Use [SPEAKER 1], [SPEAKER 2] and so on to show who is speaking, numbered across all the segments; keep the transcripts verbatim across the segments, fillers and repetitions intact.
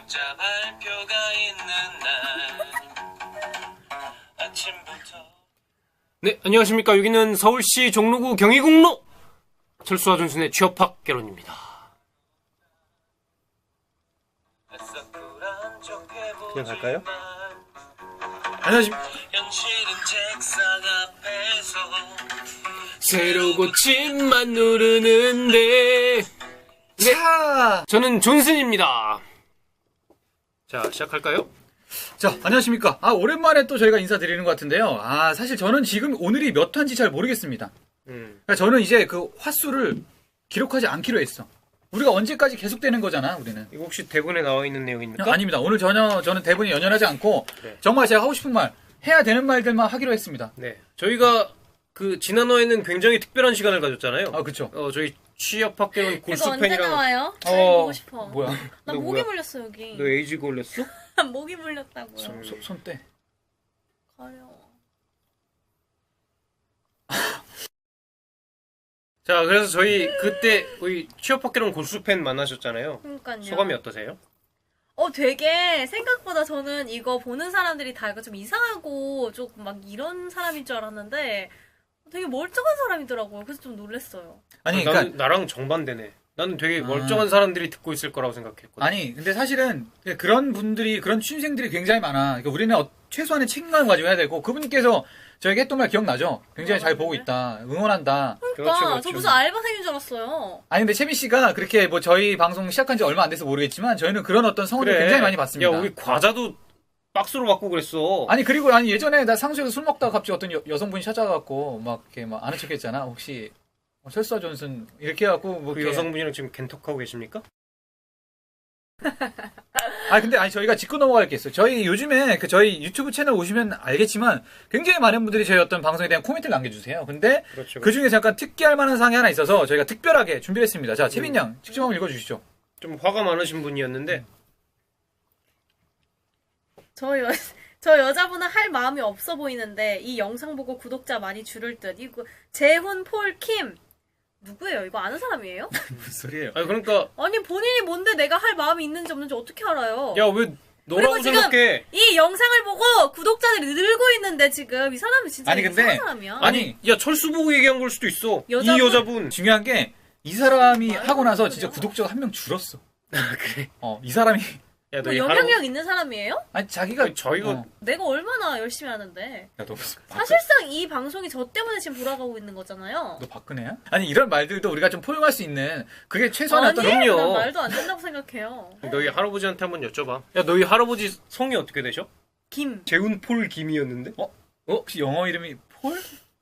[SPEAKER 1] 구독자 발표가 있는 날 아침부터.
[SPEAKER 2] 네, 안녕하십니까. 여기는 서울시 종로구 경희궁로 철수와 준순의 취업학 개론입니다.
[SPEAKER 1] 그냥 갈까요?
[SPEAKER 2] 안녕하십니까.
[SPEAKER 1] 현실은 책상 앞에서
[SPEAKER 2] 새로 고침만 누르는데. 네,
[SPEAKER 3] 자,
[SPEAKER 2] 저는 존슨입니다. 자, 시작할까요?
[SPEAKER 3] 자, 안녕하십니까. 아, 오랜만에 또 저희가 인사드리는 것 같은데요. 아, 사실 저는 지금 오늘이 몇 화인지 잘 모르겠습니다.
[SPEAKER 2] 음.
[SPEAKER 3] 그러니까 저는 이제 그 화수를 기록하지 않기로 했어. 우리가 언제까지 계속되는 거잖아, 우리는.
[SPEAKER 2] 이거 혹시 대본에 나와 있는 내용입니까?
[SPEAKER 3] 아닙니다. 오늘 전혀 저는 대본이 연연하지 않고
[SPEAKER 2] 네.
[SPEAKER 3] 정말 제가 하고 싶은 말, 해야 되는 말들만 하기로 했습니다.
[SPEAKER 2] 네. 저희가 그 지난화에는 굉장히 특별한 시간을 가졌잖아요.
[SPEAKER 3] 아, 그쵸.
[SPEAKER 2] 어, 저희 취업학 개론
[SPEAKER 4] 이거 언제
[SPEAKER 2] 골수팬이랑.
[SPEAKER 4] 나와요? 잘
[SPEAKER 3] 어,
[SPEAKER 4] 보고 싶어.
[SPEAKER 3] 뭐야.
[SPEAKER 4] 나
[SPEAKER 2] 너
[SPEAKER 4] 모기
[SPEAKER 2] 뭐야?
[SPEAKER 4] 물렸어 여기.
[SPEAKER 2] 너 에이즈 걸렸어?
[SPEAKER 4] 모기 물렸다고요.
[SPEAKER 2] 손-
[SPEAKER 3] 소, 손대.
[SPEAKER 4] 가려워.
[SPEAKER 2] 자, 그래서 저희 그때 우리 취업학 개론 골수팬 만나셨잖아요.
[SPEAKER 4] 그러니까요.
[SPEAKER 2] 소감이 어떠세요?
[SPEAKER 4] 어 되게 생각보다 저는 이거 보는 사람들이 다 이거 좀 이상하고 조금 막 이런 사람인 줄 알았는데 되게 멀쩡한 사람이더라고요. 그래서 좀 놀랐어요.
[SPEAKER 3] 아니,
[SPEAKER 2] 나는,
[SPEAKER 3] 그러니까.
[SPEAKER 2] 나랑 정반대네. 나는 되게
[SPEAKER 3] 아.
[SPEAKER 2] 멀쩡한 사람들이 듣고 있을 거라고 생각했거든.
[SPEAKER 3] 아니, 근데 사실은 그런 분들이, 그런 취준생들이 굉장히 많아. 그러니까 우리는 어- 최소한의 책임감을 가지고 해야 되고, 그분께서 저에게 했던 말 기억나죠? 굉장히 잘 보고 있다. 응원한다.
[SPEAKER 4] 그러니까
[SPEAKER 2] 그렇죠, 그렇죠.
[SPEAKER 4] 저 무슨 알바생인 줄 알았어요.
[SPEAKER 3] 아니, 근데 채민 씨가 그렇게 뭐 저희 방송 시작한 지 얼마 안 돼서 모르겠지만, 저희는 그런 어떤 성원을 굉장히 많이 받습니다.
[SPEAKER 2] 야, 우리 과자도 박스로 받고 그랬어.
[SPEAKER 3] 아니, 그리고 아니, 예전에 나 상수에서 술 먹다가 갑자기 어떤 여, 여성분이 찾아가갖고, 막 이렇게 막 아는 척 했잖아. 혹시, 어, 철수와 존슨, 이렇게 해갖고, 뭐.
[SPEAKER 2] 그
[SPEAKER 3] 이렇게-
[SPEAKER 2] 여성분이랑 지금 겐톡하고 계십니까?
[SPEAKER 3] 아, 근데 아니, 저희가 짚고 넘어갈 게 있어요. 저희 요즘에 그 저희 유튜브 채널 오시면 알겠지만, 굉장히 많은 분들이 저희 어떤 방송에 대한 코멘트를 남겨주세요. 근데,
[SPEAKER 2] 그렇죠.
[SPEAKER 3] 그 중에서 약간 특기할 만한 사항이 하나 있어서 저희가 특별하게 준비를 했습니다. 자, 채민 양, 직접 한번 읽어주시죠.
[SPEAKER 2] 좀 화가 많으신 분이었는데
[SPEAKER 4] 저 여, 저 여자분은 할 마음이 없어 보이는데 이 영상 보고 구독자 많이 줄을 듯. 이거 재훈 폴 킴 누구예요? 이거 아는 사람이에요?
[SPEAKER 3] 무슨 소리예요?
[SPEAKER 2] 아니 그러니까
[SPEAKER 4] 아니 본인이 뭔데 내가 할 마음이 있는지 없는지 어떻게 알아요?
[SPEAKER 2] 야 왜 너라고
[SPEAKER 4] 그리고 지금
[SPEAKER 2] 생각해?
[SPEAKER 4] 이 영상을 보고 구독자들이 늘고 있는데 지금 이 사람이 진짜
[SPEAKER 3] 아니, 근데-
[SPEAKER 4] 이상한 사람이야.
[SPEAKER 2] 아니 야 철수 보고 얘기한 걸 수도 있어.
[SPEAKER 4] 여자분?
[SPEAKER 2] 이 여자분.
[SPEAKER 3] 중요한 게, 이 사람이
[SPEAKER 4] 말도
[SPEAKER 3] 하고 나서
[SPEAKER 4] 안
[SPEAKER 3] 진짜
[SPEAKER 4] 되냐?
[SPEAKER 3] 구독자가 한 명 줄었어.
[SPEAKER 2] 아 그래.
[SPEAKER 3] 어, 이 사람이,
[SPEAKER 2] 야 너
[SPEAKER 4] 뭐
[SPEAKER 2] 이
[SPEAKER 4] 영향력 있는 사람이에요?
[SPEAKER 3] 아니, 자기가.
[SPEAKER 2] 아니, 저희가-
[SPEAKER 3] 어.
[SPEAKER 4] 내가 얼마나 열심히 하는데.
[SPEAKER 3] 야, 너,
[SPEAKER 4] 사실상 이 방송이 저 때문에 지금 돌아가고 있는 거잖아요.
[SPEAKER 3] 너 박근혜야? 아니, 이런 말들도 우리가 좀 포용할 수 있는, 그게 최소한의
[SPEAKER 4] 아니,
[SPEAKER 3] 어떤.
[SPEAKER 2] 그럼요.
[SPEAKER 4] 난 말도 안 된다고 생각해요.
[SPEAKER 2] 너희 할아버지한테 한번 여쭤봐. 야 너희 할아버지 성이 어떻게 되셔?
[SPEAKER 4] 김.
[SPEAKER 2] 재훈 폴 김이었는데?
[SPEAKER 3] 어? 어? 혹시 영어 이름이 폴?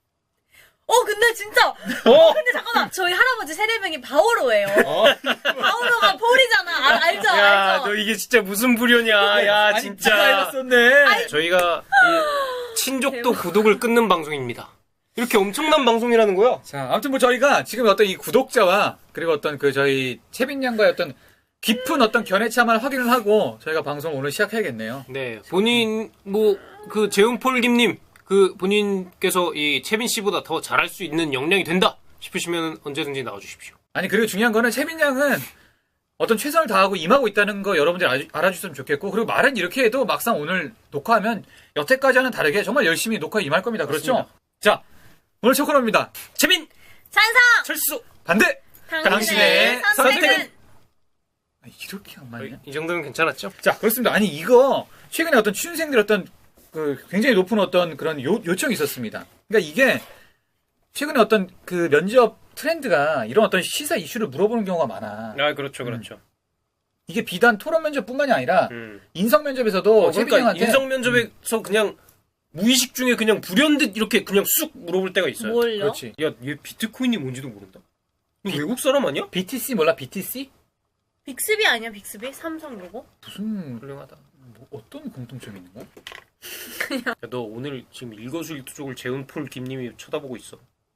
[SPEAKER 4] 어, 근데 진짜.
[SPEAKER 2] 어?
[SPEAKER 4] 근데 잠깐만. 저희 할아버지 세례명이 바오로예요.
[SPEAKER 2] 어?
[SPEAKER 4] 바오로가 폴이잖아. 아, 알죠?
[SPEAKER 2] 야
[SPEAKER 4] 알죠?
[SPEAKER 2] 너 이게 진짜 무슨 부려냐? 야
[SPEAKER 3] 아니,
[SPEAKER 2] 진짜.
[SPEAKER 3] 네가 해봤었네.
[SPEAKER 2] 저희가 이 친족도 구독을 끊는 방송입니다. 이렇게 엄청난 방송이라는 거야.
[SPEAKER 3] 자, 아무튼 뭐 저희가 지금 어떤 이 구독자와 그리고 어떤 그 저희 채빈 양과의 어떤 깊은 어떤 견해차만 확인을 하고 저희가 방송 오늘 시작해야겠네요.
[SPEAKER 2] 네, 본인 뭐 그 재훈폴 김님 그 본인께서 이 채빈 씨보다 더 잘할 수 있는 역량이 된다 싶으시면 언제든지 나와주십시오.
[SPEAKER 3] 아니, 그리고 중요한 거는 채빈 양은 어떤 최선을 다하고 임하고 있다는 거 여러분들이 알아주- 알아주셨으면 좋겠고, 그리고 말은 이렇게 해도 막상 오늘 녹화하면 여태까지와는 다르게 정말 열심히 녹화에 임할 겁니다. 그렇죠?
[SPEAKER 2] 맞습니다.
[SPEAKER 3] 자, 오늘 첫 코너입니다.
[SPEAKER 2] 채빈
[SPEAKER 4] 찬성!
[SPEAKER 2] 철수.
[SPEAKER 3] 반대!
[SPEAKER 4] 당신의,
[SPEAKER 3] 당신의
[SPEAKER 4] 선택은?
[SPEAKER 3] 선택은? 아, 이렇게 안 맞냐?
[SPEAKER 2] 이 정도면 괜찮았죠?
[SPEAKER 3] 자, 그렇습니다. 아니, 이거, 최근에 어떤 취준생들 어떤, 그, 굉장히 높은 어떤 그런 요, 요청이 있었습니다. 그러니까 이게, 최근에 어떤 그 면접 트렌드가 이런 어떤 시사 이슈를 물어보는 경우가 많아.
[SPEAKER 2] 아 그렇죠, 그렇죠.
[SPEAKER 3] 이게 비단 토론 면접뿐만이 아니라,
[SPEAKER 2] 음.
[SPEAKER 3] 인성 면접에서도,
[SPEAKER 2] 어,
[SPEAKER 3] 채빈
[SPEAKER 2] 그러니까
[SPEAKER 3] 형한테
[SPEAKER 2] 인성 면접에서 그냥 무의식 중에 그냥 불현듯 이렇게 그냥 쑥 물어볼 때가 있어요.
[SPEAKER 4] 뭘요?
[SPEAKER 3] 그렇지.
[SPEAKER 2] 야, 얘 비트코인이 뭔지도 모른다. 너 외국 사람 아니야?
[SPEAKER 3] 비티씨 몰라, 비티씨?
[SPEAKER 4] 빅스비 아니야, 빅스비? 삼성 로고?
[SPEAKER 3] 무슨,
[SPEAKER 2] 훌륭하다.
[SPEAKER 3] 뭐 어떤 공통점이 있는 거야?
[SPEAKER 2] 야, 너 오늘 지금 일거수일투족을 재훈 폴 김님이 쳐다보고 있어.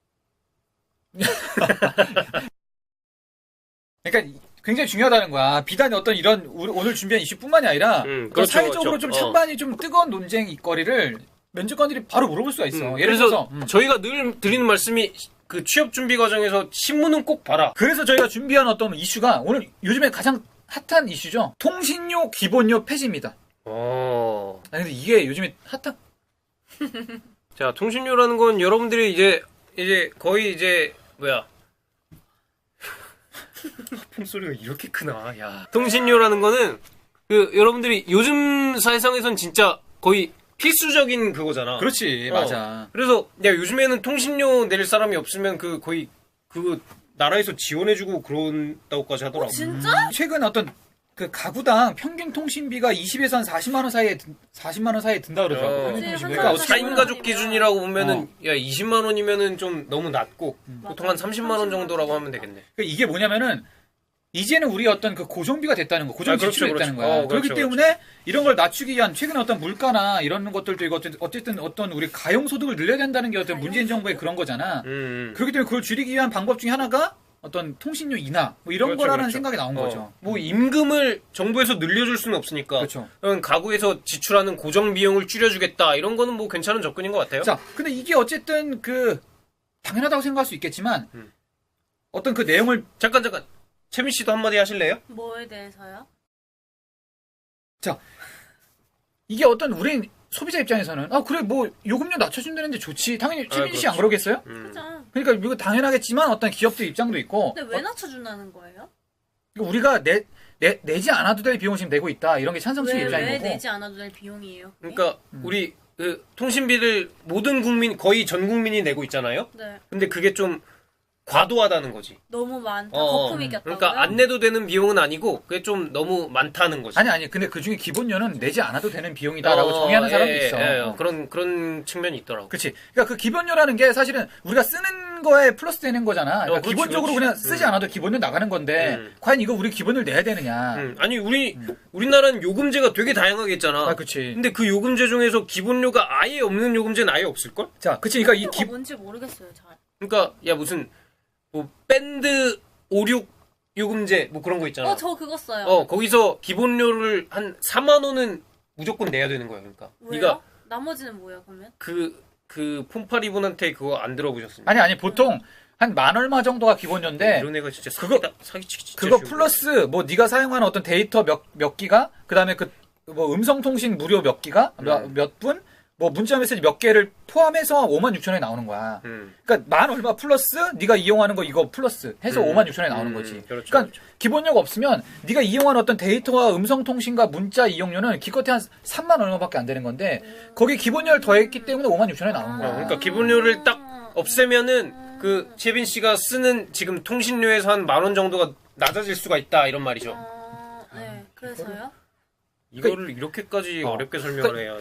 [SPEAKER 3] 그러니까 굉장히 중요하다는 거야. 비단 어떤 이런 우리 오늘 준비한 이슈뿐만이 아니라
[SPEAKER 2] 음,
[SPEAKER 3] 그
[SPEAKER 2] 그렇죠,
[SPEAKER 3] 사회적으로
[SPEAKER 2] 그렇죠.
[SPEAKER 3] 좀
[SPEAKER 2] 어.
[SPEAKER 3] 찬반이 좀 뜨거운 논쟁 있거리를 면접관들이 바로 물어볼 수가 있어.
[SPEAKER 2] 음,
[SPEAKER 3] 예를
[SPEAKER 2] 그래서
[SPEAKER 3] 들어서 음.
[SPEAKER 2] 저희가 늘 드리는 말씀이 그 취업 준비 과정에서 신문은 꼭 봐라.
[SPEAKER 3] 그래서 저희가 준비한 어떤 이슈가 오늘 요즘에 가장 핫한 이슈죠. 통신료 기본료 폐지입니다.
[SPEAKER 2] 어.
[SPEAKER 3] 아니 근데 이게 요즘에 핫한
[SPEAKER 2] 자, 통신료라는 건 여러분들이 이제 이제 거의 이제 뭐야? 하품 소리가 이렇게 크나? 야. 통신료라는 거는 그 여러분들이 요즘 사회상에선 진짜 거의 필수적인 그거잖아.
[SPEAKER 3] 그렇지
[SPEAKER 2] 어.
[SPEAKER 3] 맞아.
[SPEAKER 2] 그래서 야 요즘에는 통신료 낼 사람이 없으면 그 거의 그 나라에서 지원해주고 그런다고까지 하더라고.
[SPEAKER 4] 진짜?
[SPEAKER 3] 최근 어떤 그 가구당 평균 통신비가 이십에서 한 사십만 원 사이에 든- 사십만 원 사이에 든다 그러더라고.
[SPEAKER 2] 어.
[SPEAKER 3] 평균
[SPEAKER 4] 그치,
[SPEAKER 3] 통신비.
[SPEAKER 4] 한
[SPEAKER 3] 그러니까
[SPEAKER 4] 달에
[SPEAKER 3] 어떻게
[SPEAKER 2] 사 인
[SPEAKER 4] 사십만
[SPEAKER 2] 가족
[SPEAKER 4] 원이면.
[SPEAKER 2] 기준이라고 보면은 야 이십만 원이면은 좀 너무 낮고
[SPEAKER 3] 음.
[SPEAKER 2] 보통 한 삼십만 원 정도라고 하면 되겠네.
[SPEAKER 3] 그러니까 이게 뭐냐면은 이제는 우리 어떤 그 고정비가 됐다는 거, 고정
[SPEAKER 2] 아, 그렇죠,
[SPEAKER 3] 지출이 됐다는
[SPEAKER 2] 그렇죠.
[SPEAKER 3] 거야.
[SPEAKER 2] 어,
[SPEAKER 3] 그렇기
[SPEAKER 2] 그렇죠,
[SPEAKER 3] 때문에 이런 걸 낮추기 위한 최근에 어떤 물가나 이런 것들도 이거 어쨌든, 어쨌든 어떤 우리 가용 소득을 늘려야 된다는 게 어떤 문재인 정부의 그런 거잖아.
[SPEAKER 2] 음, 음.
[SPEAKER 3] 그렇기 때문에 그걸 줄이기 위한 방법 중에 하나가 어떤 통신료 인하 뭐 이런
[SPEAKER 2] 그렇죠,
[SPEAKER 3] 거라는
[SPEAKER 2] 그렇죠.
[SPEAKER 3] 생각이 나온
[SPEAKER 2] 어.
[SPEAKER 3] 거죠.
[SPEAKER 2] 뭐 임금을 정부에서 늘려줄 수는 없으니까.
[SPEAKER 3] 그렇죠.
[SPEAKER 2] 그럼 가구에서 지출하는 고정 비용을 줄여주겠다 이런 거는 뭐 괜찮은 접근인 것 같아요.
[SPEAKER 3] 자, 근데 이게 어쨌든 그 당연하다고 생각할 수 있겠지만
[SPEAKER 2] 음.
[SPEAKER 3] 어떤 그 내용을
[SPEAKER 2] 잠깐 잠깐 채민 씨도 한마디 하실래요?
[SPEAKER 4] 뭐에 대해서요?
[SPEAKER 3] 이게 어떤 우리 소비자 입장에서는 아 그래 뭐 요금료 낮춰준다는데 좋지. 당연히
[SPEAKER 2] 아,
[SPEAKER 3] 최민 씨 안
[SPEAKER 2] 그렇죠.
[SPEAKER 3] 그러겠어요?
[SPEAKER 2] 음.
[SPEAKER 4] 그죠.
[SPEAKER 3] 그러니까 이거 당연하겠지만 어떤 기업들 입장도 있고
[SPEAKER 4] 근데 왜 낮춰준다는 거예요?
[SPEAKER 3] 어, 우리가 내, 내 내지 않아도 될 비용을 지금 내고 있다 이런 게 찬성 측의
[SPEAKER 4] 왜,
[SPEAKER 3] 입장인
[SPEAKER 4] 왜
[SPEAKER 3] 거고.
[SPEAKER 4] 내지 않아도 될 비용이에요? 그게?
[SPEAKER 2] 그러니까
[SPEAKER 3] 음.
[SPEAKER 2] 우리 그 통신비를 모든 국민 거의 전 국민이 내고 있잖아요.
[SPEAKER 4] 네.
[SPEAKER 2] 근데 그게 좀 과도하다는 거지.
[SPEAKER 4] 너무 많다.
[SPEAKER 2] 어,
[SPEAKER 4] 거품이 꼈다고요?
[SPEAKER 2] 그러니까 안 내도 되는 비용은 아니고 그게 좀 너무 많다는 거지.
[SPEAKER 3] 아니 아니 근데 그 중에 기본료는 내지 않아도 되는 비용이다라고
[SPEAKER 2] 어,
[SPEAKER 3] 정의하는 사람도
[SPEAKER 2] 예,
[SPEAKER 3] 있어.
[SPEAKER 2] 예,
[SPEAKER 3] 어.
[SPEAKER 2] 그런 그런 측면이 있더라고.
[SPEAKER 3] 그렇지. 그러니까 그 기본료라는 게 사실은 우리가 쓰는 거에 플러스 되는 거잖아. 그러니까
[SPEAKER 2] 어, 그렇지,
[SPEAKER 3] 기본적으로
[SPEAKER 2] 그렇지.
[SPEAKER 3] 그냥 쓰지
[SPEAKER 2] 음.
[SPEAKER 3] 않아도 기본료 나가는 건데
[SPEAKER 2] 음.
[SPEAKER 3] 과연 이거 우리 기본을 내야 되느냐?
[SPEAKER 2] 음, 아니 우리
[SPEAKER 3] 음.
[SPEAKER 2] 우리나라는 요금제가 되게 다양하게 있잖아.
[SPEAKER 3] 아, 그렇지.
[SPEAKER 2] 근데 그 요금제 중에서 기본료가 아예 없는 요금제는 아예 없을 걸?
[SPEAKER 3] 자, 그치. 그러니까 이
[SPEAKER 4] 이게
[SPEAKER 3] 기,
[SPEAKER 4] 뭔지 모르겠어요. 잘.
[SPEAKER 2] 그러니까 야 무슨 뭐 밴드 오륙 요금제 뭐 그런 거 있잖아.
[SPEAKER 4] 어, 저 그거 써요.
[SPEAKER 2] 어, 거기서 기본료를 한 사만 원은 무조건 내야 되는 거야. 그러니까
[SPEAKER 4] 왜요?
[SPEAKER 2] 네가
[SPEAKER 4] 나머지는 뭐예요, 그러면?
[SPEAKER 2] 그 그 폰파리분한테 그거 안 들어보셨습니까?
[SPEAKER 3] 아니 아니 보통 한 만 얼마 정도가 기본료인데
[SPEAKER 2] 이런 애가 진짜
[SPEAKER 3] 그거-
[SPEAKER 2] 사기다, 사기치기 진짜
[SPEAKER 3] 그거
[SPEAKER 2] 쉬운
[SPEAKER 3] 플러스 뭐 네가 사용하는 어떤 데이터 몇 몇 기가 그다음에 그 뭐 음성 통신 무료 몇 기가
[SPEAKER 2] 음.
[SPEAKER 3] 몇 분 뭐 문자 메시지 몇 개를 포함해서 오만 육천 원에 나오는 거야.
[SPEAKER 2] 거야. 음.
[SPEAKER 3] 그러니까 만 얼마 플러스 네가 이용하는 거 이거 플러스 해서
[SPEAKER 2] 음.
[SPEAKER 3] 오만 육천 원에 나오는
[SPEAKER 2] 음,
[SPEAKER 3] 거지.
[SPEAKER 2] 그렇죠,
[SPEAKER 3] 그러니까
[SPEAKER 2] 그렇죠.
[SPEAKER 3] 기본료가 없으면 네가 이용한 어떤 데이터와 음성 통신과 문자 이용료는 기껏해 한 삼만 얼마밖에 안 되는 건데 거기 기본료를 더했기 때문에 오만 육천 원에 나오는
[SPEAKER 2] 어,
[SPEAKER 3] 거야.
[SPEAKER 2] 그러니까 기본료를 딱 없애면은 그 채빈 씨가 쓰는 지금 통신료에서 한 만 원 정도가 낮아질 수가 있다 이런 말이죠.
[SPEAKER 4] 어, 네. 그래서요?
[SPEAKER 2] 이거를 이렇게까지
[SPEAKER 3] 어.
[SPEAKER 2] 어렵게 설명을 해요.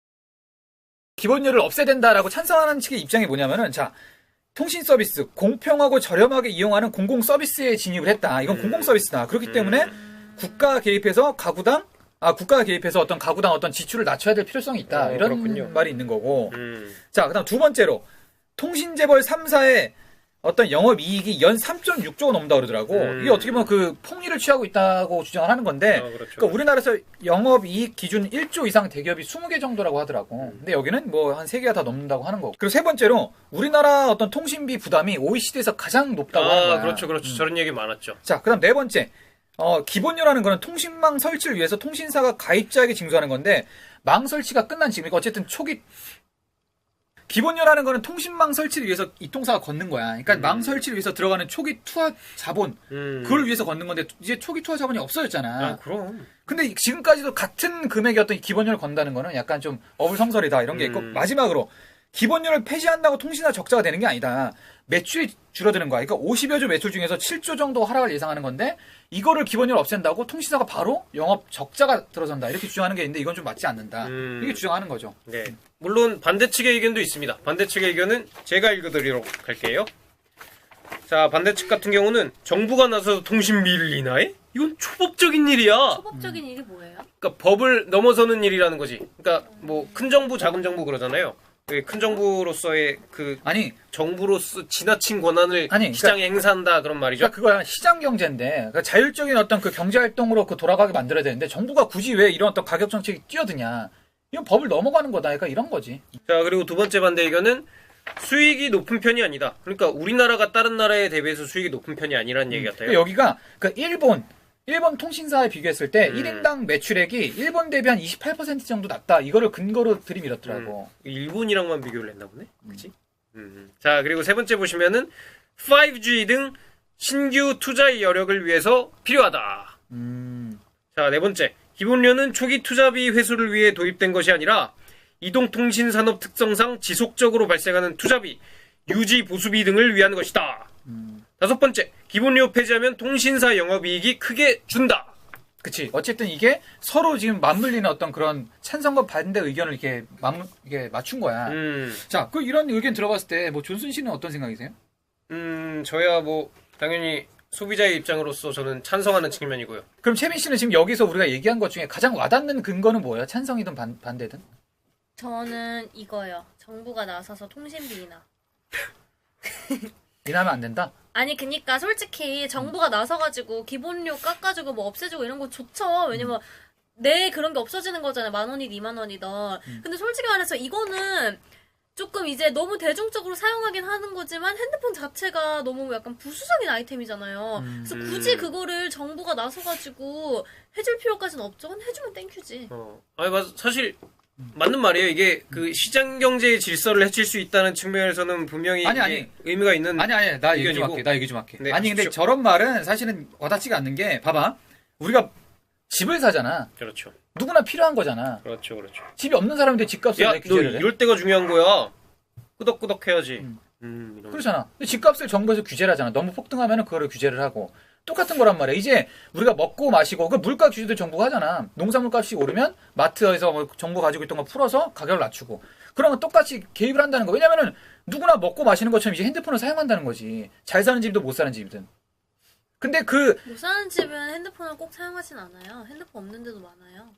[SPEAKER 3] 기본료를 없애야 된다라고 찬성하는 측의 입장이 뭐냐면은 자 통신 서비스 공평하고 저렴하게 이용하는 공공 서비스에 진입을 했다. 이건
[SPEAKER 2] 음.
[SPEAKER 3] 공공 서비스다. 그렇기
[SPEAKER 2] 음.
[SPEAKER 3] 때문에 국가 개입해서 가구당 아 국가가 개입해서 어떤 가구당 어떤 지출을 낮춰야 될 필요성이 있다.
[SPEAKER 2] 어,
[SPEAKER 3] 이런
[SPEAKER 2] 그렇군요.
[SPEAKER 3] 말이 있는 거고.
[SPEAKER 2] 음.
[SPEAKER 3] 자 그다음 두 번째로 통신재벌 삼 사의 어떤 영업이익이 연 삼 점 육 조가 넘는다 그러더라고.
[SPEAKER 2] 음.
[SPEAKER 3] 이게 어떻게 보면 그 폭리를 취하고 있다고 주장을 하는 건데
[SPEAKER 2] 어, 그렇죠.
[SPEAKER 3] 그러니까 우리나라에서 영업이익 기준 일 조 이상 대기업이 스무 개 정도라고 하더라고. 근데 여기는 뭐 한 세 개가 다 넘는다고 하는 거고. 그리고 세 번째로 우리나라 어떤 통신비 부담이 오이시디에서 가장 높다고 하는
[SPEAKER 2] 아,
[SPEAKER 3] 거야.
[SPEAKER 2] 그렇죠, 그렇죠.
[SPEAKER 3] 음.
[SPEAKER 2] 저런 얘기 많았죠.
[SPEAKER 3] 자, 그다음 네 번째. 어, 기본료라는 거는 통신망 설치를 위해서 통신사가 가입자에게 징수하는 건데 망 설치가 끝난 지금 그러니까 어쨌든 초기 기본료라는 거는 통신망 설치를 위해서 이통사가 걷는 거야. 그러니까
[SPEAKER 2] 음.
[SPEAKER 3] 망 설치를 위해서 들어가는 초기 투하 자본
[SPEAKER 2] 음.
[SPEAKER 3] 그걸 위해서 걷는 건데 이제 초기 투하 자본이 없어졌잖아.
[SPEAKER 2] 아, 그럼.
[SPEAKER 3] 근데 지금까지도 같은 금액의 어떤 기본료를 건다는 거는 약간 좀 어불성설이다 이런 게 있고
[SPEAKER 2] 음.
[SPEAKER 3] 마지막으로 기본료를 폐지한다고 통신사 적자가 되는 게 아니다. 매출이 줄어드는 거야. 그러니까 오십여 조 매출 중에서 칠 조 정도 하락을 예상하는 건데 이거를 기본료를 없앤다고 통신사가 바로 영업 적자가 들어선다. 이렇게 주장하는 게 있는데 이건 좀 맞지 않는다.
[SPEAKER 2] 음.
[SPEAKER 3] 이게 주장하는 거죠.
[SPEAKER 2] 네. 물론 반대 측의 의견도 있습니다. 반대 측의 의견은 제가 읽어드리도록 할게요. 자, 반대 측 같은 경우는 정부가 나서서 통신비를 인하해? 이건 초법적인 일이야.
[SPEAKER 4] 초법적인 일이 뭐예요?
[SPEAKER 2] 그러니까 법을 넘어서는 일이라는 거지. 그러니까 뭐 큰 정부, 작은 정부 그러잖아요. 그큰 정부로서의 그
[SPEAKER 3] 아니,
[SPEAKER 2] 정부로서 지나친 권한을
[SPEAKER 3] 아니,
[SPEAKER 2] 시장에 행사한다 그런 말이죠.
[SPEAKER 3] 그러니까 그거야 시장 경제인데 그러니까 자율적인 어떤 그 경제 활동으로 그 돌아가게 만들어야 되는데 정부가 굳이 왜 이런 어떤 가격 정책이 뛰어드냐? 이건 법을 넘어가는 거다. 그러니까 이런 거지.
[SPEAKER 2] 자, 그리고 두 번째 반대 의견은 수익이 높은 편이 아니다. 그러니까 우리나라가 다른 나라에 대비해서 수익이 높은 편이 아니라는 얘기 같아요.
[SPEAKER 3] 그러니까 여기가 그 일본 일본 통신사에 비교했을 때
[SPEAKER 2] 음.
[SPEAKER 3] 일 인당 매출액이 일본 대비 한 이십팔 퍼센트 정도 낮다. 이거를 근거로 들이밀었더라고.
[SPEAKER 2] 일본이랑만 비교를 했나 보네. 그치? 음. 자, 그리고 세 번째 보시면은 파이브지 등 신규 투자의 여력을 위해서 필요하다.
[SPEAKER 3] 음.
[SPEAKER 2] 자, 네 번째. 기본료는 초기 투자비 회수를 위해 도입된 것이 아니라 이동통신 산업 특성상 지속적으로 발생하는 투자비, 유지 보수비 등을 위한 것이다.
[SPEAKER 3] 음.
[SPEAKER 2] 다섯 번째. 기본료 폐지하면 통신사 영업이익이 크게 준다.
[SPEAKER 3] 그치. 어쨌든 이게 서로 지금 맞물리는 어떤 그런 찬성과 반대 의견을 이렇게 맞, 이게 맞춘 거야.
[SPEAKER 2] 음,
[SPEAKER 3] 자, 그 이런 의견 들어봤을 때 뭐 존슨 씨는 어떤 생각이세요?
[SPEAKER 2] 음, 저야 뭐 당연히 소비자의 입장으로서 저는 찬성하는 측면이고요.
[SPEAKER 3] 그럼 채민 씨는 지금 여기서 우리가 얘기한 것 중에 가장 와닿는 근거는 뭐예요? 찬성이든 반, 반대든?
[SPEAKER 4] 저는 이거요. 정부가 나서서 통신비 인하.
[SPEAKER 3] 인하면 안 된다?
[SPEAKER 4] 아니 그니까 솔직히 정부가 나서가지고 기본료 깎아주고 뭐 없애주고 이런 거 좋죠. 왜냐면 내 그런 게 없어지는 거잖아요. 만 원이든 이만 원이든. 근데 솔직히 말해서 이거는 조금 이제 너무 대중적으로 사용하긴 하는 거지만 핸드폰 자체가 너무 약간 부수적인 아이템이잖아요. 그래서 굳이 그거를 정부가 나서가지고 해줄 필요까지는 없죠. 그냥 해주면 땡큐지.
[SPEAKER 2] 어, 아니, 맞, 사실, 맞는 말이에요. 이게 그 시장 경제의 질서를 해칠 수 있다는 측면에서는 분명히
[SPEAKER 3] 아니,
[SPEAKER 2] 이게
[SPEAKER 3] 아니.
[SPEAKER 2] 의미가 있는.
[SPEAKER 3] 아니, 아니, 나 얘기 좀
[SPEAKER 2] 의견이고.
[SPEAKER 3] 할게. 나 얘기 좀 할게.
[SPEAKER 2] 네,
[SPEAKER 3] 아니, 근데
[SPEAKER 2] 하십시오.
[SPEAKER 3] 저런 말은 사실은 와닿지가 않는 게, 봐봐. 우리가 집을 사잖아.
[SPEAKER 2] 그렇죠.
[SPEAKER 3] 누구나 필요한 거잖아.
[SPEAKER 2] 그렇죠, 그렇죠.
[SPEAKER 3] 집이 없는 사람인데 집값을
[SPEAKER 2] 야,
[SPEAKER 3] 왜
[SPEAKER 2] 너
[SPEAKER 3] 규제를 해?
[SPEAKER 2] 이럴 때가 중요한 거야. 끄덕끄덕 해야지.
[SPEAKER 3] 음.
[SPEAKER 2] 음, 이런
[SPEAKER 3] 그렇잖아. 근데 집값을 정부에서 규제를 하잖아. 너무 폭등하면 그거를 규제를 하고. 똑같은 거란 말이야. 이제 우리가 먹고 마시고 그 물가 규제도 정부가 하잖아. 농산물 값이 오르면 마트에서 뭐 정부 가지고 있던 거 풀어서 가격을 낮추고. 그러면 똑같이 개입을 한다는 거. 왜냐면은 누구나 먹고 마시는 것처럼 이제 핸드폰을 사용한다는 거지. 잘 사는 집이든 못 사는 집이든. 근데 그
[SPEAKER 4] 못 사는 집은 핸드폰을 꼭 사용하진 않아요. 핸드폰 없는 데도 많아요.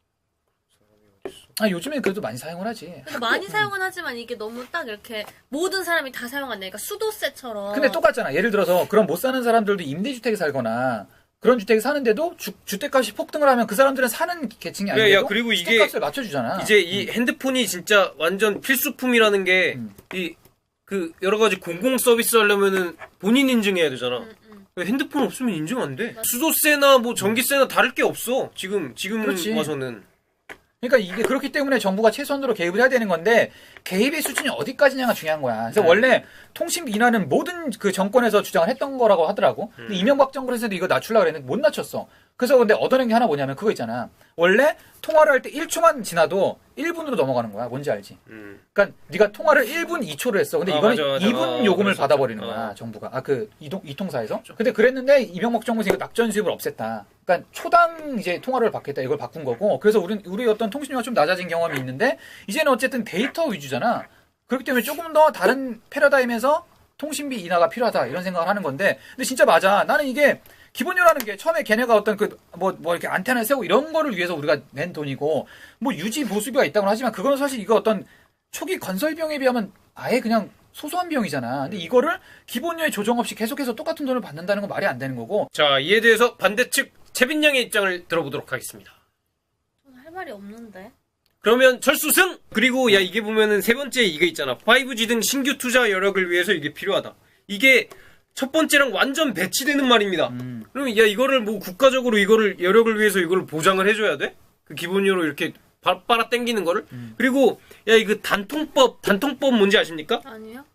[SPEAKER 3] 아, 요즘에 그래도 많이 사용을 하지.
[SPEAKER 4] 근데 많이 사용은 하지만 이게 너무 딱 이렇게 모든 사람이 다 사용한다니까 수도세처럼.
[SPEAKER 3] 근데 똑같잖아. 예를 들어서 그럼 못 사는 사람들도 임대주택에 살거나 그런 주택에 사는데도 주, 주택값이 폭등을 하면 그 사람들은 사는 계층이
[SPEAKER 2] 야,
[SPEAKER 3] 아닌데도
[SPEAKER 2] 야, 그리고 이게
[SPEAKER 3] 주택값을 맞춰주잖아.
[SPEAKER 2] 이제 이 핸드폰이 진짜 완전 필수품이라는 게,
[SPEAKER 3] 음.
[SPEAKER 2] 이, 그, 여러 가지 공공 서비스 하려면은 본인 인증해야 되잖아.
[SPEAKER 4] 음, 음.
[SPEAKER 2] 핸드폰 없으면 인증 안 돼.
[SPEAKER 4] 맞아.
[SPEAKER 2] 수도세나 뭐 전기세나 다를 게 없어. 지금, 지금
[SPEAKER 3] 그렇지.
[SPEAKER 2] 와서는.
[SPEAKER 3] 그러니까 이게 그렇기 때문에 정부가 최소한으로 개입을 해야 되는 건데 개입의 수준이 어디까지냐가 중요한 거야. 그래서
[SPEAKER 2] 네.
[SPEAKER 3] 원래 통신비 인하는 모든 그 정권에서 주장을 했던 거라고 하더라고. 근데
[SPEAKER 2] 음.
[SPEAKER 3] 이명박 정권에서도 이거 낮추려고 그랬는데 못 낮췄어. 그래서 근데 얻어낸 게 하나 뭐냐면 그거 있잖아. 원래 통화를 할 때 일 초만 지나도 일 분으로 넘어가는 거야. 뭔지 알지?
[SPEAKER 2] 음.
[SPEAKER 3] 그러니까 네가 통화를 일 분 이 초로 했어. 근데
[SPEAKER 2] 아,
[SPEAKER 3] 이거는
[SPEAKER 2] 맞아, 맞아.
[SPEAKER 3] 이 분
[SPEAKER 2] 어,
[SPEAKER 3] 요금을
[SPEAKER 2] 그랬었죠.
[SPEAKER 3] 받아버리는
[SPEAKER 2] 어.
[SPEAKER 3] 거야. 정부가. 아, 그 이동 이통사에서. 근데 그랬는데 이명박 정부에서 이거 낙전 수입을 없앴다. 그러니까 초당 이제 통화를 받겠다. 이걸 바꾼 거고. 그래서 우리 우리 어떤 통신료가 좀 낮아진 경험이 있는데 이제는 어쨌든 데이터 위주잖아. 그렇기 때문에 조금 더 다른 패러다임에서 통신비 인하가 필요하다. 이런 생각을 하는 건데. 근데 진짜 맞아. 나는 이게 기본료라는 게 처음에 걔네가 어떤 그 뭐 뭐 이렇게 안테나를 세우고 이런 거를 위해서 우리가 낸 돈이고 뭐 유지 보수비가 있다고 하지만 그거는 사실 이거 어떤 초기 건설 비용에 비하면 아예 그냥 소소한 비용이잖아. 근데 이거를 기본료에 조정 없이 계속해서 똑같은 돈을 받는다는 건 말이 안 되는 거고.
[SPEAKER 2] 자, 이에 대해서 반대측 채빈 양의 입장을 들어보도록 하겠습니다.
[SPEAKER 4] 저는 할 말이 없는데.
[SPEAKER 2] 그러면 철수승! 그리고 야, 이게 보면은 세 번째 이게 있잖아. 파이브지 등 신규 투자 여력을 위해서 이게 필요하다. 이게 첫 번째랑 완전 배치되는 말입니다.
[SPEAKER 3] 음.
[SPEAKER 2] 그러면 야, 이거를 뭐 국가적으로 이거를 여력을 위해서 이걸 보장을 해줘야 돼? 그 기본료로 이렇게 바, 빨아 당기는 거를?
[SPEAKER 3] 음.
[SPEAKER 2] 그리고 야, 이거 단통법, 단통법 뭔지 아십니까?
[SPEAKER 4] 아니요?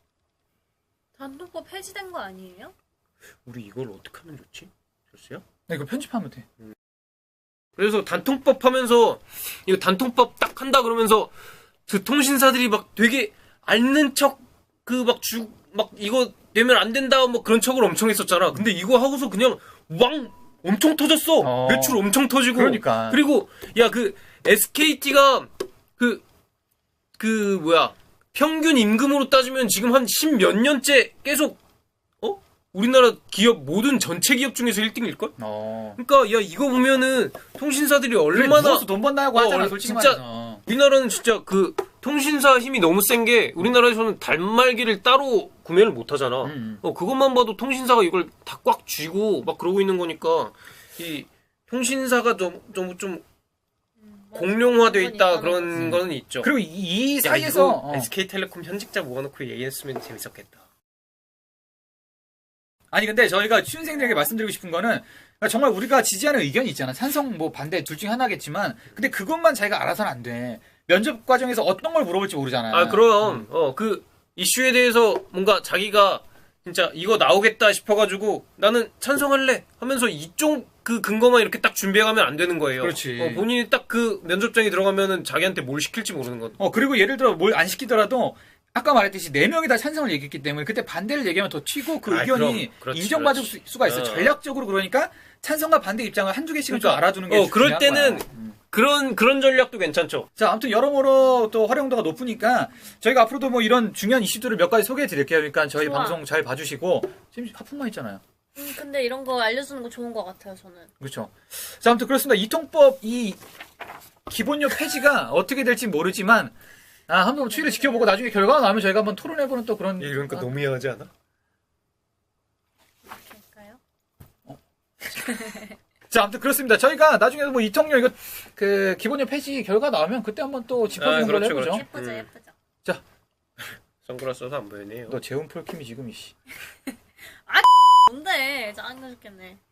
[SPEAKER 4] 단통법 폐지된 거 아니에요?
[SPEAKER 2] 우리 이걸 어떻게 하면 좋지? 철수야?
[SPEAKER 3] 나 이거 편집하면 돼.
[SPEAKER 2] 그래서 단통법 하면서 이거 단통법 딱 한다 그러면서 그 통신사들이 막 되게 앓는 척 그 막 주 막 이거 되면 안 된다 뭐 그런 척을 엄청 했었잖아. 근데 이거 하고서 그냥 왕 엄청 터졌어.
[SPEAKER 3] 어.
[SPEAKER 2] 매출 엄청 터지고.
[SPEAKER 3] 그러니까.
[SPEAKER 2] 그리고 야, 그 에스케이티가 그 그 뭐야 평균 임금으로 따지면 지금 한 십 몇 년째 계속 어 우리나라 기업 모든 전체 기업 중에서 일 등일걸?
[SPEAKER 3] 어.
[SPEAKER 2] 그러니까 야, 이거 보면은 통신사들이
[SPEAKER 3] 그래,
[SPEAKER 2] 얼마나
[SPEAKER 3] 누워서 돈 번다고
[SPEAKER 2] 어,
[SPEAKER 3] 하잖아.
[SPEAKER 2] 얼-
[SPEAKER 3] 솔직히
[SPEAKER 2] 진짜-
[SPEAKER 3] 말해서.
[SPEAKER 2] 우리나라는 진짜 그 통신사 힘이 너무 센 게 우리나라에서는 단말기를 따로 구매를 못 하잖아.
[SPEAKER 3] 음.
[SPEAKER 2] 어, 그것만 봐도 통신사가 이걸 다 꽉 쥐고 막 그러고 있는 거니까 이 통신사가 좀 좀 좀 공룡화돼 있다 그런
[SPEAKER 3] 음.
[SPEAKER 2] 거는 있죠.
[SPEAKER 3] 그리고 이, 이
[SPEAKER 2] 야,
[SPEAKER 3] 사이에서
[SPEAKER 2] 이거
[SPEAKER 3] 어.
[SPEAKER 2] 에스케이텔레콤 현직자 모아놓고 얘기했으면 재밌었겠다.
[SPEAKER 3] 아니 근데 저희가 취준생들에게 말씀드리고 싶은 거는 그러니까 정말 우리가 지지하는 의견이 있잖아. 찬성 뭐 반대 둘 중에 하나겠지만 근데 그것만 자기가 알아서는 안 돼. 면접 과정에서 어떤 걸 물어볼지 모르잖아.
[SPEAKER 2] 아 그럼 어 그 이슈에 대해서 뭔가 자기가 진짜 이거 나오겠다 싶어가지고 나는 찬성할래 하면서 이쪽 그 근거만 이렇게 딱 준비해가면 안 되는 거예요.
[SPEAKER 3] 그렇지.
[SPEAKER 2] 어, 본인이 딱 그 면접장에 들어가면은 자기한테 뭘 시킬지 모르는 건.
[SPEAKER 3] 어 그리고 예를 들어 뭘 안 시키더라도 아까 말했듯이 네 명이 다 찬성을 얘기했기 때문에 그때 반대를 얘기하면 더 튀고 그
[SPEAKER 2] 아,
[SPEAKER 3] 의견이
[SPEAKER 2] 그럼, 그렇지,
[SPEAKER 3] 인정받을
[SPEAKER 2] 그렇지.
[SPEAKER 3] 수, 수가 있어.
[SPEAKER 2] 어.
[SPEAKER 3] 전략적으로 그러니까 찬성과 반대 입장을 한두 개씩은 좀
[SPEAKER 2] 그러니까,
[SPEAKER 3] 알아두는 게
[SPEAKER 2] 어, 그럴
[SPEAKER 3] 중요한
[SPEAKER 2] 때는
[SPEAKER 3] 거야. 음.
[SPEAKER 2] 그런 그런 전략도 괜찮죠.
[SPEAKER 3] 자, 아무튼 여러모로 또 활용도가 높으니까 저희가 앞으로도 뭐 이런 중요한 이슈들을 몇 가지 소개해 드릴게요. 그러니까 저희
[SPEAKER 4] 좋아.
[SPEAKER 3] 방송 잘 봐주시고 지금 하품만 있잖아요.
[SPEAKER 4] 음, 근데 이런 거 알려주는 거 좋은 것 같아요, 저는.
[SPEAKER 3] 그렇죠. 자, 아무튼 그렇습니다. 이통법 이 기본료 폐지가 어떻게 될지 모르지만 아, 한번 추이를 지켜보고 나중에 결과가 나오면 저희가 한번 토론해보는 또 그런
[SPEAKER 2] 이런 거
[SPEAKER 3] 아,
[SPEAKER 2] 너무 이해하지 않아?
[SPEAKER 4] 할까요?
[SPEAKER 3] 자, 아무튼 그렇습니다. 저희가 나중에 뭐 이통료 이거 그 기본료 폐지 결과 나오면 그때 한번 또 짚어보는
[SPEAKER 2] 아,
[SPEAKER 3] 걸로
[SPEAKER 2] 그렇죠,
[SPEAKER 3] 해보죠.
[SPEAKER 2] 그렇죠.
[SPEAKER 4] 예쁘죠,
[SPEAKER 2] 음.
[SPEAKER 4] 예쁘죠.
[SPEAKER 2] 선글라스 써서 안 보이네요.
[SPEAKER 3] 너 재훈 폴킴이 지금 이씨.
[SPEAKER 4] 뭔데? 짜증나 죽겠네.